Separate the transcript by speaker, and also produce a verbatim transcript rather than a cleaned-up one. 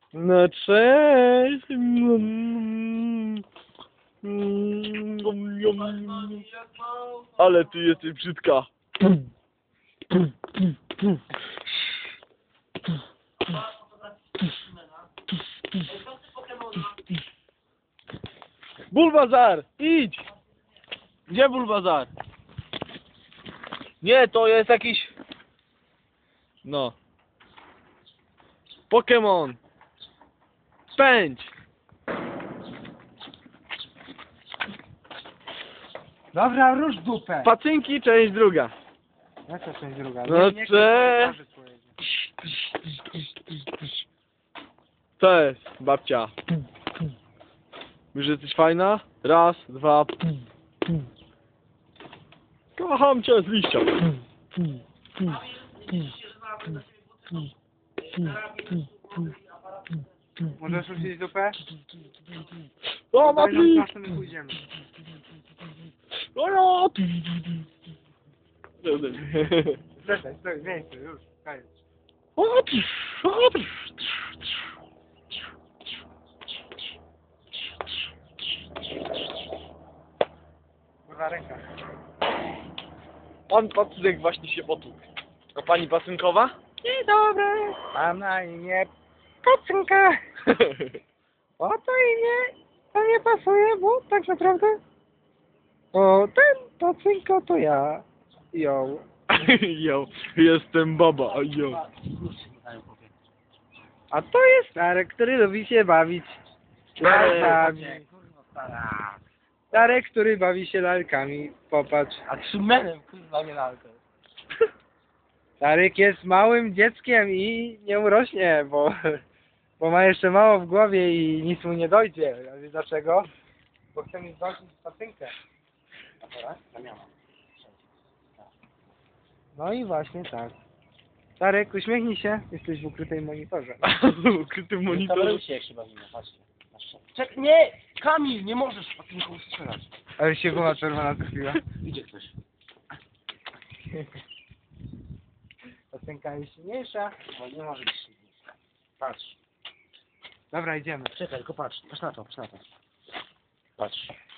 Speaker 1: No cześć. Mm. Mm. Ale ty jesteś brzydka. Bulbazar, idź! Gdzie Bulbazar? Nie, to jest jakiś... No. Pokémon. Pędź!
Speaker 2: Dobra, rusz dupę.
Speaker 1: Pacynki, część druga.
Speaker 2: Jaka część druga?
Speaker 1: No
Speaker 2: Nie, nie,
Speaker 1: cze-
Speaker 2: nie, pojedzie.
Speaker 1: Cześć, babcia. Już jesteś fajna? Raz, dwa. Kocham cię z liścia.
Speaker 2: Możesz ruszyć dupę?
Speaker 1: O,
Speaker 2: Daj nam
Speaker 1: Mati!
Speaker 2: czasem my pójdziemy.
Speaker 1: O, ja!
Speaker 2: Czekaj, stój, miejsce, już, koniec.
Speaker 1: O, o,
Speaker 2: Kurwa ręka.
Speaker 1: Pan pacynek właśnie się potłukł. A pani pacynkowa?
Speaker 2: Dzień dobry. Mam na imię Pacynka. O to imię to nie pasuje, bo tak naprawdę o ten Pacynko to ja. Ją.
Speaker 1: Jo, jestem baba, jo.
Speaker 2: A to jest Starek, który lubi się bawić lalkami. Starek, który bawi się lalkami. Popatrz.
Speaker 3: A trzymenem, kurwa, nie lalkę.
Speaker 2: Starek jest małym dzieckiem i nie urośnie, bo, bo ma jeszcze mało w głowie i nic mu nie dojdzie. A wiesz dlaczego? Bo chce mi zwalczyć Pacynkę. No i właśnie tak. Starek, uśmiechnij się. Jesteś w ukrytej monitorze.
Speaker 1: Ukrytym
Speaker 3: Monitor.
Speaker 1: monitorem.
Speaker 3: się jak się bawimy, patrzcie. Czek, nie! Kamil, nie możesz patinką strzelać.
Speaker 2: Ale się głowa czerwona trafiła.
Speaker 3: Idzie ktoś.
Speaker 2: Pacynka jest silniejsza.
Speaker 3: Bo nie może być silniejsza. Patrz.
Speaker 2: Dobra, idziemy.
Speaker 3: Czekaj, tylko patrz. Patrz na to, patrz na to. Patrz.